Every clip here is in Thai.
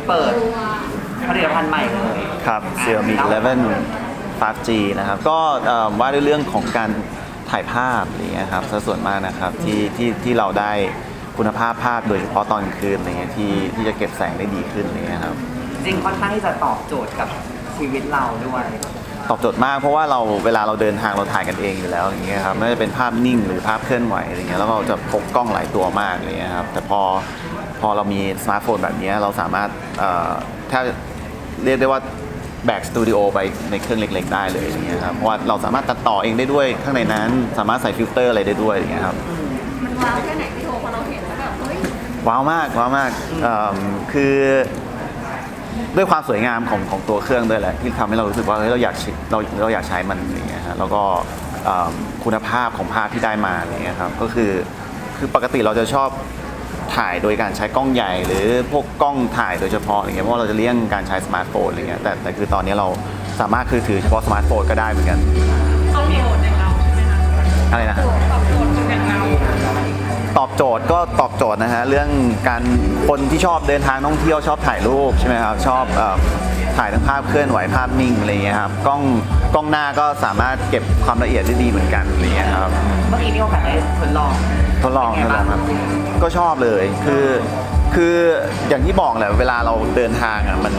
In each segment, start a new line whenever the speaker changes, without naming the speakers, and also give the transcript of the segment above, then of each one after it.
เปิดผลิตภัณฑ์ใหม่เลย
ครับ Xiaomi 11 5G นะครับก็ว่าด้วยเรื่องของการถ่ายภาพอะไรเงี้ยครับส่วนมากนะครับที่เราได้คุณภาพภาพโดยเฉพาะตอนกลางคืนอะไรเงี้ยที่จะเก็บแสงได้ดีขึ้นอะไรเงี้ยครับ
จริงค่อนข้างที่จะตอบโจทย์กับชีวิตเราด้วย
ตอบโจทย์มากเพราะว่าเวลาเราเดินทางเราถ่ายกันเองอยู่แล้วอย่างเงี้ยครับไม่ว่าจะเป็นภาพนิ่งหรือภาพเคลื่อนไหวอะไรเงี้ยแล้วเราจะพกกล้องหลายตัวมากอะไรเงี้ยครับแต่พอเรามีสมาร์ทโฟนแบบนี้เราสามารถถ้าเรียกได้ว่าแบกสตูดิโอไปในเครื่องเล็กๆได้เลยอย่างเงี้ยครับเพราะว่าเราสามารถตัดต่อเองได้ด้วยข้างในนั้นสามารถใส่ฟิลเตอร์อะไรได้ด้วยอย่างเงี้ยครับ
มันว้าวแค่ไหนพี่โทพอเราเห็นแล้วแบบเฮ้ย
ว้าวมากคือด้วยความสวยงามของตัวเครื่องด้วยแหละที่ทำให้เรารู้สึกว่าเราอยากใช้มันอย่างเงี้ยฮะแล้วก็คุณภาพของภาพที่ได้มาอย่างเงี้ยครับก็คือปกติเราจะชอบถ่ายโดยการใช้กล้องใหญ่หรือพวกกล้องถ่ายโดยเฉพาะอย่างเงี้ยเพราะเราจะเลี่ยงการใช้สมาร์ทโฟนอะไรเงี้ยแต่คือตอนนี้เราสามารถถือเฉพาะสมาร์ทโฟนก็ได้เหมือนกัน
ตอบโจทย์อย่างเราใช่ไหมคะ
อะไรนะ
ตอบโจทย์อย่างเรา
ตอบโจทย์ก็ตอบโจทย์นะฮะเรื่องการคนที่ชอบเดินทางท่องเที่ยวชอบถ่ายรูปใช่ไหมครับชอบถ่ายทั้งภาพเคลื่อนไหวภาพนิ่งอะไรเงี้ยครับกล้องหน้าก็สามารถเก็บความละเอียดได้ดีเหมือนกันอะไรเงี้ยครับ
เมื่อกี้มีโอกาสได้ทดลอง
ครับก็ชอบเลยคืออย่างที่บอกแหละเวลาเราเดินทางอ่ะมัน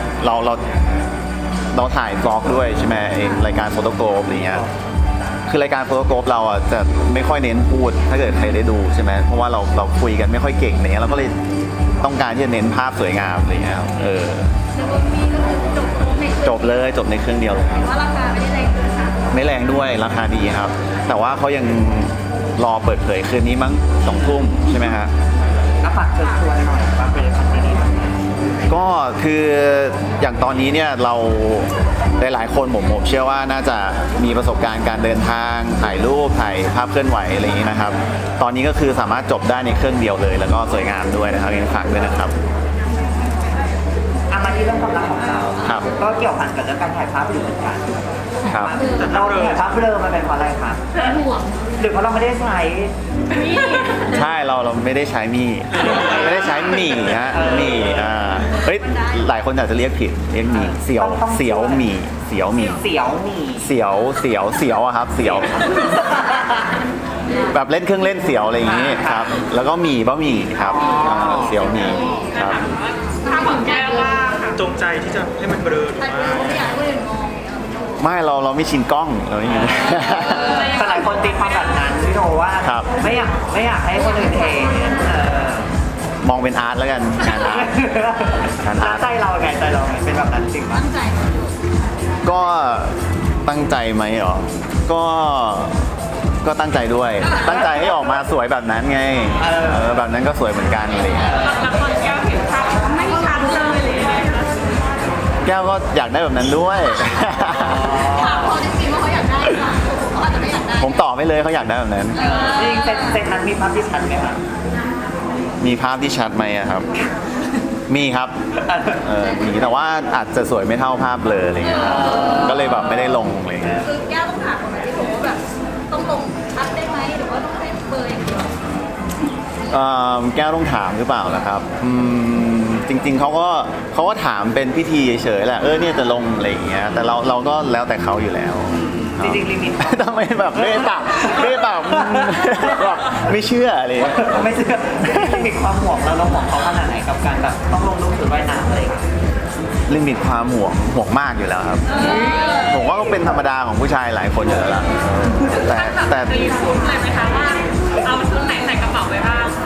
เราถ่ายบล็อกด้วยใช่ไหมรายการโฟโตโกรฟอะไรเงี้ยคือรายการโฟโตโกรฟเราอ่ะจะไม่ค่อยเน้นพูดถ้าเกิดใครได้ดูใช่ไหมเพราะว่าเราคุยกันไม่ค่อยเก่งอะไรเงี้ยเราก็เลยต้องการที่จะเน้นภาพสวยงามอะไรเงี้ยจบเลยจบในเครื่องเดียวเลย
ว่าราคาไม่ได้แรง
ไม่แรงด้วยราคาดีครับแต่ว่าเขายังรอเปิดเผยคืนนี้มั้ง2 ทุ่มใช่ไหมฮะ
ก็ฝากเชิญชวนหน่อยว่าผลิตภัณฑ์นี้
ก็คืออย่างตอนนี้เนี่ยเราหลายคนผมเชื่อว่าน่าจะมีประสบการณ์การเดินทางถ่ายรูปถ่ายภาพเคลื่อนไหวอะไรอย่างนี้นะครับตอนนี้ก็คือสามารถจบได้ในเครื่องเดียวเลยแล้วก็สวยงามด้วยนะครับยังฝากด้วยนะครับ
มาที่เรื่องความรักของเราก็เกี่ยวพันกับเรื่องการถ่ายภาพอยู่เหมือนกัน
ครับ
เราถ่ายภาพเบลอมาเป็นเพราะอะไรครับ
ห่วง
หรือเพราะเราไม่ได้ใช้
ใช่เราไม่ได้ใช้ไม่ได้ใช้หมี่ฮะหมี่เฮ้ยหลายคนอาจจะเรียกผิดเรียกหมี่เสียวหมี่อะครับเสียวแบบเล่นเครื่องเล่นเสียวอะไรอย่างนี้ครับแล้วก็บะหมี่ครับเสียวหมี่ครับ
ถ้าผมแก้ว่า
จงใจที่จะให้มันเบลอหรือว่า
ไม่อยากให้คนอื่นมอง
ไม่เราไม่ชินกล้องเราไม่
แต่หลายคนตีความแบบนั้นพี่โทว่าไม่อยากให้คนอื่นเห็น
มองเป็นอาร์ตแล้วกันงานอาร์ต
ใจเราไงเป็นแบบนั้นจริงปะ
ก็ตั้งใจไหมหรอก็ตั้งใจด้วยตั้งใจให้ออกมาสวยแบบนั้นไงแบบนั้นก็สวยเหมือนกันอะไรอย่างเงี้ย
ละครแก้วเห็นภาพไม่ชัดเลย
แก้วก็อยากได้แบบนั้นด้วย
ถามเขาจริงๆว่าเขาอยากได้หรือเปล่าเขาอาจจะไม่อยากได้
ผมตอบไม่เลยเขาอยากได้แบบนั้น
จริงเซตนั้นมีภาพที่ชัดไหมครับ
มีภาพที่ชัดไหมครับมีครับมีแต่ว่าอาจจะสวยไม่เท่าภาพเบลออะไรเงี้ยก็เลยแบบไม่ได้ลงอะไรเงี้ย
คือแก้วต้องถามคนที่บอกว่าแบบต้องลงชัดได้ไหมหรือว่าต้องให้เบอร์อย่างเดียว
แก้วต้องถามหรือเปล่านะครับจริงๆเขาก็ถามเป็นพิธีเฉยๆแหละเนี่ยจะลงอะไรอย่างเงี้ยแต่เราก็แล้วแต่เขาอยู่แล้ว
จริงๆลิมิต
ทำไมแบบไม่แบบไม่เชื่ออะไร
ไม่เชื่อลิมิตความห่วงเราห่วงเขาขนาดไหนกับการแบบต้องลงรูปชุดว่ายน้ำอะไร
ลิมิตความห่วงมากอยู่แล้วครับผมว่าก็เป็นธรรมดาของผู้ชายหลายคนอยู่แล้วล่ะแต่
ตีชุดเลยไหมคะว่าเอาชุดไหนใส่กระเป๋าไว้บ้าง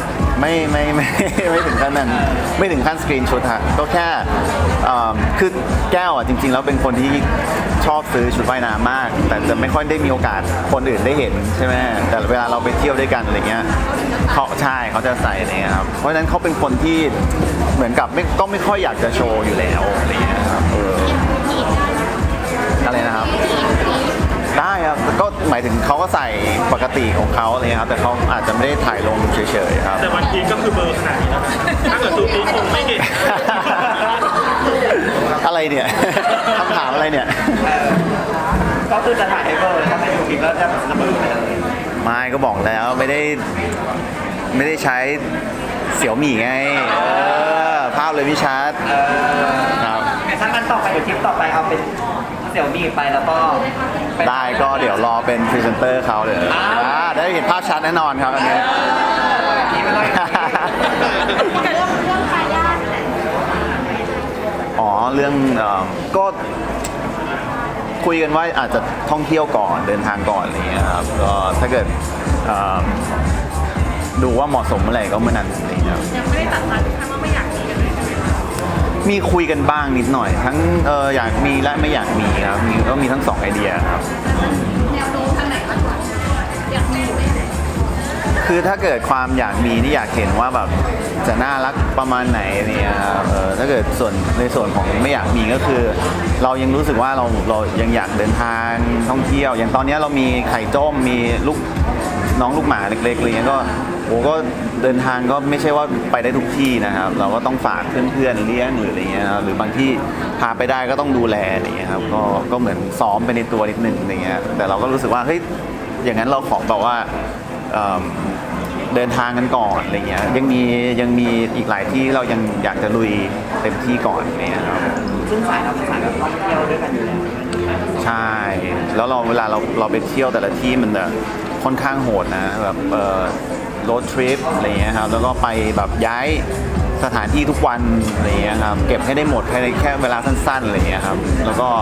ไม่ถึงขั้นนั้นไม่ถึงขั้นสกรีนชุดฮะก็แค่คือแก้วอ่ะจริงๆแล้วเป็นคนที่ชอบซื้อชุดว่ายน้ำมากแต่จะไม่ค่อยได้มีโอกาสคนอื่นได้เห็นใช่ไหมแต่เวลาเราไปเที่ยวด้วยกันอะไรเงี้ยเขาจะใส่อะไรเงี้ยครับเพราะฉะนั้นเขาเป็นคนที่เหมือนกับก็ไม่ค่อยอยากจะโชว์อยู่แล้วอะไรเงี้ยครับอะไรนะครับได้ครับก็หมายถึงเขาก็ใส่ปกติของเขาอะไรครับแต่เขาอาจจะไม่ได้ถ่ายลงเฉยๆครับ
แต่วันพีก็คือเบอร์ขนาดนี้นะถ้าเกิดซูพีคงไม่เห็น
อะไรเนี่ยคำถามอะไรเนี่ย
ก็คือจะถ่ายให้เบอร์ถ้าเป็นซูพีคแล้วจะเบอร์ไปเลย
ไม่ก็บอกแล้วไม่ได้ใช้เสี่ยวหมี่ไงภภาพเลยพี่ชัดครับ
ถ้างั้นต่อไปเดี๋ยวคลิปต่อไปเอาเป็นเสี่ยวมี่ไปแล้วก็เป็น
ได้ก็เดี๋ยวรอเป็นพรีเซนเตอร์เขาเลยได้เห็นภาพชัดแน่นอนครับอันนี้
นี่ไม่ต้อง
แต่เรื่องทายาท
อ๋อเรื่องก็คุยกันว่าอาจจะท่องเที่ยวก่อนเดินทางก่อนอะไรเงี้ยครับก็ถ้าเกิดดูว่าเหมาะสมเมื่อไหร่ก็เมื่อนั้นอะไรเงี้ยครับ
ยังไม่ได้ตัดมาถึงขั้นว่าไม่อยากมีกันเลยใช่ไหมคะ
มีคุยกันบ้างนิดหน่อย ทั้งอยากมีและไม่อยากมีครับก็มีทั้งสองไอเดียครับ
แนวโน้มทางไหนมากกว่าอยากมีหรือไม่อยากมี
คือถ้าเกิดความอยากมีนี่อยากเห็นว่าแบบจะน่ารักประมาณไหนเนี่ยครับถ้าเกิดในส่วนของไม่อยากมีก็คือ เรายังรู้สึกว่าเรายังอยากเดินทางท่องเที่ยว อย่างตอนนี้เรามีไข่จ้มมีน้องลูกหมาเล็กๆอะไรเงี้ยก็ก็เดินทางก็ไม่ใช่ว่าไปได้ทุกที่นะครับ เราก็ต้องฝากเพื่อนๆเลี้ยงหรืออะไรเงี้ยหรือบางที่พาไปได้ก็ต้องดูแลอะไรเงี้ยครับก็เหมือนซ้อมไปในตัวนิดนึงอะไรเงี้ยแต่เราก็รู้สึกว่าเฮ้ยอย่างนั้นเราขอแบบว่าเดินทางกันก่อนอะไรเงี้ยยังมีอีกหลายที่เรายังอยากจะลุยเต็มที่ก่อนอะไรเงี้ยครับ
ซึ่งสายเราเป็นสายแบบท่องเที่ยวด้วยกันอยู่แล้ว
ใช่แล้วเวลาเราไปเที่ยวแต่ละที่มันค่อนข้างโหดนะแบบรถทริปอะไรเงี้ยครับแล้วก็ไปแบบย้ายสถานที่ทุกวันอะไรเงี้ยครับเก็บให้ได้หมดภายในแค่เวลาสั้นๆอะไรเงี้ยครับแล้วก็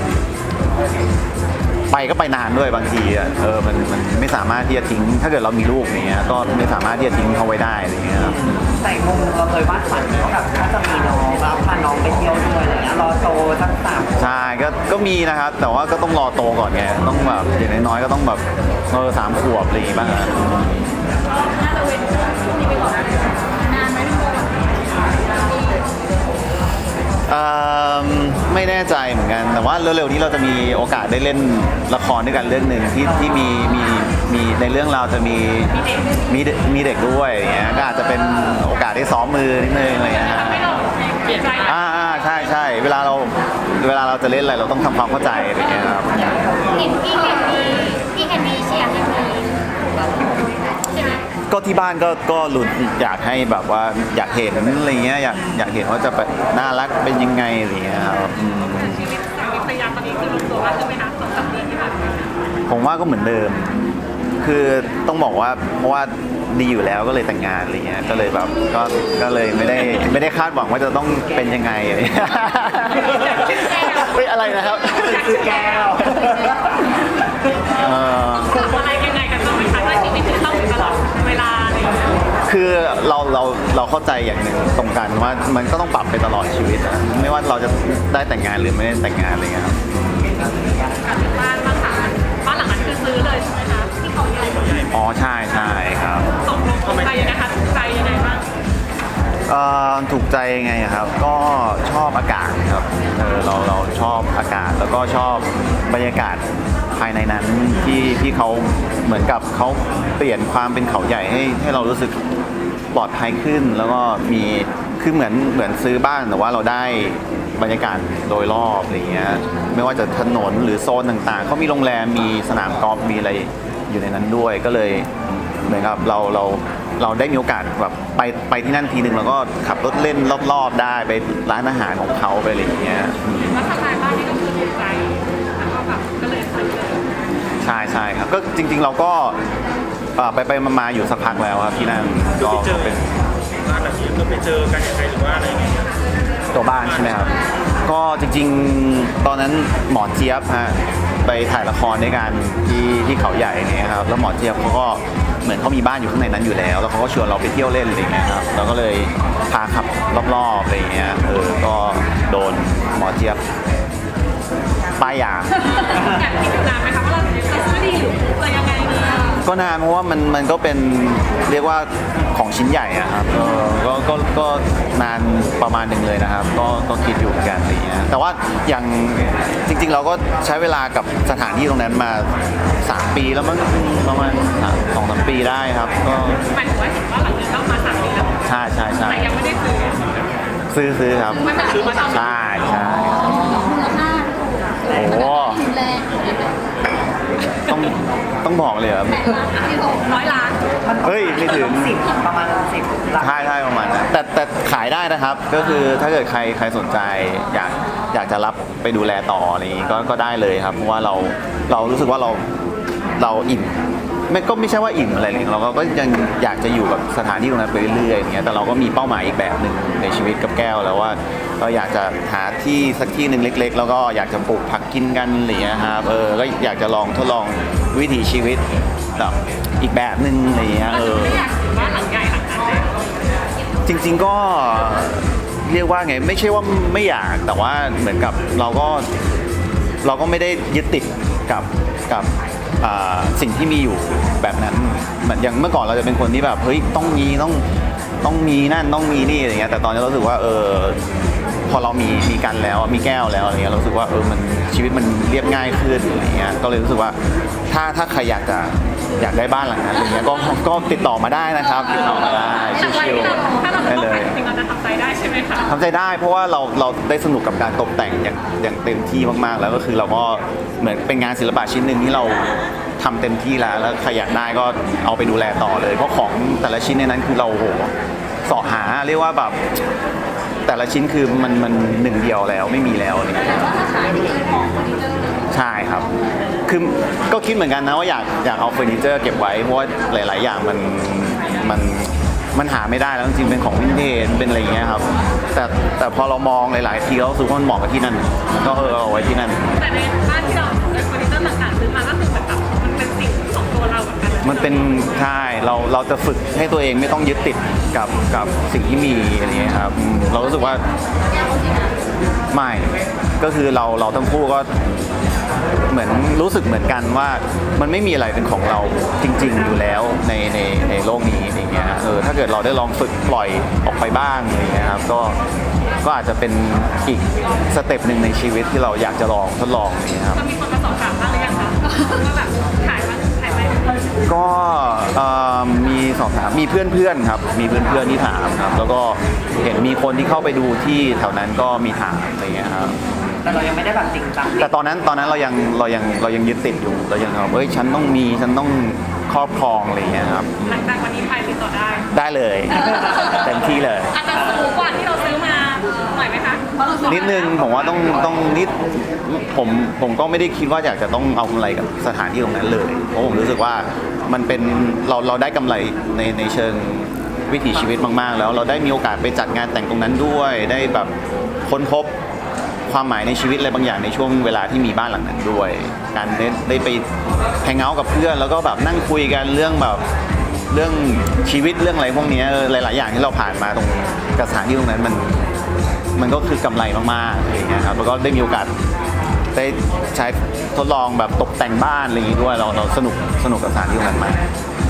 ไปนานด้วยบางทีมันไม่สามารถที่จะทิ้งถ้าเกิดเรามีลูกอย่างเงี้ยก็ไม่สามารถที่จะทิ้งเขาไว้ได้อะไรเงี้ยครับ
แต่มุมเราเคยวาดฝันว่าแบบถ้าจะมีน้องแล้วพาน้องไปเที่ยวด้วยอะไรเงี้ยรอโตสัก3
ใช่ก็มีนะครับแต่ว่าก็ต้องรอโตก่อนไงต้องแบบอย่างน้อยๆก็ต้องแบบ3 ขวบอะไรอย่างงี้บ้างฮะ
น่าจะเว้นช่วงนี้ไปก่อนนานไหมพี่โบ
ไม่แน่ใจเหมือนกันแต่ว่าเร็วๆนี้เราจะมีโอกาสได้เล่นละครด้วยกันเรื่องหนึ่งที่มีในเรื่องเราจะมีเด็กด้วยอย่างเงี้ยก็อาจจะเป็นโอกาสได้ซ้อมมือนิดนึงอะไรอย่างเงี้ยฮะ
เปลี่ยนใจ
ใช่เวลาเราจะเล่นอะไรเราต้องทำความเข้าใจอะไรอย่างเงี้ยครับ
เห็นพี่แคนดี้เชียร์ให้มีใช่ไหม
ก็ที่บ้านก็ลุ้นอยากให้แบบว่าอยากเห็นอะไรเงี้ยอยากเห็นว่าจะแบบน่ารักเป็นยังไงอะไรเงี้ยครับ
ชีวิตสามีภรรยาตอนนี้คือลงตัวแล้วใช่ไหมคะ2-3 เดือนที่ผ่านมา
ผมว่าก็เหมือนเดิม คือต้องบอกว่าเพราะว่าดีอยู่แล้วก็เลยแต่งงานอะไรเงี้ยก็เลยแบบก็เลยไม่ได้คาดหวังว่าจะต้องเป็นยังไงอะไรเงี้ยเฮ้ยอะไรนะครับ
คือแก้ว
อะไรยังไงกันบ้างไหมคะว่าชีวิตจะต้องอยู่ตลอดเวลาอะไรอย่างเงี้ย
คือเราเข้าใจอย่างหนึ่งตรงกันว่ามันก็ต้องปรับไปตลอดชีวิตอะไม่ว่าเราจะได้แต่งงานหรือไม่ได้แต่งงานอะไรเงี้ยครับ
กลับถึงบ้านบ้างค่ะบ้านหลังนั้นคือซื้อเลยใช่ไหมคะที่เขาใหญ่
อ๋อใช่ครับ
ตกลงถูกใจนะคะถูกใจยังไงบ้าง
ถูกใจยังไงอะครับก็ชอบอากาศครับเราชอบอากาศแล้วก็ชอบบรรยากาศภายในนั้นที่เขาเหมือนกับเขาเปลี่ยนความเป็นเขาใหญ่ให้เรารู้สึกปลอดภัยขึ้น แล้วก็มีคือเหมือนซื้อบ้านแต่ว่าเราได้บรรยากาศโดยรอบอะไรเงี้ยไม่ว่าจะถนนหรือโซนต่างๆเขามีโรงแรมมีสนามกอล์ฟมีอะไรอยู่ในนั้นด้วยก็เลยเหมือนกับเราได้มีโอกาสแบบไปที่นั่นทีหนึ่งแล้วก็ขับรถเล่นรอบๆได้ไปร้านอาหารของเขาไปอะไรอย่างเงี้ย
แล้วสไตล์บ้านนี่ก็คือถูกใจแล้วก็แบบก็เลยซื้อเลย
ใช่ครับก็จริงๆเราก็ไปมาอยู่สักพักแล้วครับที่นั่นก็เป็น
ร้านแบบนี้ก็ไปเจอกันยังไงหรือว่าอะไรอย่างเงี้ย
ตัวบ้านใช่ไหมครับก็จริงๆตอนนั้นหมอเจี๊ยบฮะไปถ่ายละครด้วยกันที่เขาใหญ่เนี่ยครับแล้วหมอเจี๊ยบเขาก็เหมือนเขามีบ้านอยู่ข้างในนั้นอยู่แล้วเขาก็ชวนเราไปเที่ยวเล่นอะไรเงี้ยครับเราก็เลยพาขับรอบๆอะไรเงี้ยก็โดนหมอเจี๊ยบป้ายยา
อยากคิดอยู่นานไหมคะว่าเราจะซื้อดีหรือจะยังไงดี
ก็นานเพราะว่ามันก็เป็นเรียกว่าของชิ้นใหญ่อะครับก็นานประมาณหนึ่งเลยนะครับก็คิดอยู่เหมือนกันอะไรเงี้ยแต่ว่าอย่างจริงๆเราก็ใช้เวลากับสถานที่ตรงนั้นมา3 ปีแล้วมั้งประมาณ2-3 ปีได้ครับก็
หมายถึงว่าเห็นว่าหลังจากต้องมา3 ปีแล้ว
ใช่
แต่ยังไม่ได้ซื้อ
ซื้อครับ
มันซื้อมาตอน
ใช่
มูลค่า
โอ้โห
แรง
ต้องต้องบอกเลยเหรอ
100 ล้าน
เฮ้ยไม่ถึง
10ประมาณ10หลัก
ใช่ประมาณนั้นแต่ขายได้นะครับ ก็คือถ้าเกิดใครสนใจอยากจะรับไปดูแลต่ออะไรอย่างงี้ก็ได้เลยครับเพราะว่าเรารู้สึกว่าเราอิ่มไม่ใช่ว่าอิ่มอะไรเลยเราก็ยังอยากจะอยู่กับสถานที่ตรงนั้นไปเรื่อยๆอย่างเงี้ยแต่เราก็มีเป้าหมายอีกแบบหนึ่งในชีวิตกับแก้วแล้วว่าเราอยากจะหาที่สักที่หนึ่งเล็กๆแล้วก็อยากจะปลูกผักกินกันอะไรอย่างเงี้ยครับก็อยากจะลองทดลองวิถีชีวิตแบบอีกแบบหนึ่งอะไรอย่างเงี้ย
ไม่อยากถือว่าหลังใหญ่หลังนั้นเลย
จริงๆก็เรียกว่าไงไม่ใช่ว่าไม่อยากแต่ว่าเหมือนกับเราก็ไม่ได้ยึดติดกับสิ่งที่มีอยู่แบบนั้นเหมือนอย่างเมื่อก่อนเราจะเป็นคนที่แบบเฮ้ยต้องมีนั่นต้องมีนี่อะไรเงี้ยแต่ตอนนี้เรารู้สึกว่าพอเรามีกันแล้วมีแก้วแล้วอะไรเงี้ยเรารู้สึกว่ามันชีวิตมันเรียบง่ายขึ้นอะไรเงี้ยก็เลยรู้สึกว่าถ้าใครอยากได้บ้านหลังนั้นอะไรเงี้ยก็ติดต่อมาได้นะครับติดต่อมาได้ชิวๆได้เลย
จริงเราจะทำใจได้ใช่ไหมคะ
ทำใจได้เพราะว่าเราได้สนุกกับการตกแต่งอย่างเต็มที่มากๆแล้วก็คือเราก็เหมือนเป็นงานศิลปะชิ้นหนึ่งที่เราทำเต็มที่แล้วใครอยากได้ก็เอาไปดูแลต่อเลยเพราะของแต่ละชิ้นในนั้นคือเราโหเสาะหาเรียกว่าแบบแต่ละชิ้นคือมันหนึ่งเดียวแล้วไม่มีแล้วอะไรอย่างเงี้ยใช่ครับคือก็คิดเหมือนกันนะว่าอยากเอาเฟอร์นิเจอร์เก็บไว้เพราะว่าหลายๆอย่างมันหาไม่ได้แล้วจริงๆเป็นของวินเทจเป็นอะไรอย่างเงี้ยครับแต่พอเรามองหลายๆทีเรารู้สึกว่ามันเหมาะกับที่นั่นก็เอาไว้ที่นั่น
แต่ในบ้านที่เราเฟอร์นิเจอร์ต่างๆซื้อมาก็คือแบบมันเป็นสิ่งของตัวเราเหมือนกัน
มันเป็นใช่เราจะฝึกให้ตัวเองไม่ต้องยึดติดกับสิ่งที่มีอะไรเงี้ยครับเรารู้สึกว่าไม่ก็คือเราทั้งคู่ก็เหมือนรู้สึกเหมือนกันว่ามันไม่มีอะไรเป็นของเราจริงๆอยู่แล้วในโลกนี้อย่างเงี้ยถ้าเกิดเราได้ลองฝึกปล่อยออกไปบ้างอะไรเงี้ยครับก็อาจจะเป็นอีกสเต็ปหนึ่งในชีวิตที่เราอยากจะลองทดลองอย่างเงี้ยครับ
มีคนมาสอบถามบ้างหรือยังคะว่าแบบขายไหม
ก็มีสอบถามมีเพื่อนๆครับมีเพื่อนๆที่ถามครับแล้วก็เห็นมีคนที่เข้าไปดูที่แถวนั้นก็มีถามอะไรเงี้ยครับ
แต่เรายังไม่ได้แบบจริงจัง
แต่ตอนนั้นเรายังยึดติดอยู่เรายังแบบฉันต้องครอบครองอะไรเงี้ยครับ
หลังจากวันนี้ไปติดต่อ
ได้เลยเต็มที่เลย
อาจจะสูงกว่าที่เราซื้อมาหน่อยไหมคะ
นิดนึงผมว่าต้องนิดผมก็ไม่ได้คิดว่าอยากจะต้องเอากำไรกับสถานที่ตรงนั้นเลยเพราะผมรู้สึกว่ามันเป็นเราได้กำไรในเชิงวิถีชีวิตมากๆแล้วเราได้มีโอกาสไปจัดงานแต่งตรงนั้นด้วยได้แบบค้นพบความหมายในชีวิตอะไรบางอย่างในช่วงเวลาที่มีบ้านหลังนั้นด้วยการได้ไปแฮงเอาท์กับเพื่อนแล้วก็แบบนั่งคุยกันเรื่องชีวิตเรื่องอะไรพวกนี้หลายๆอย่างที่เราผ่านมาตรงสถานที่ตรงนั้นมันก็คือกำไรมากๆอะไรอย่างเงี้ยครับแล้วก็ได้มีโอกาสได้ใช้ทดลองแบบตกแต่งบ้านอะไรอย่างงี้ด้วยเราสนุกกับสถานที่ตรงนั้นมาก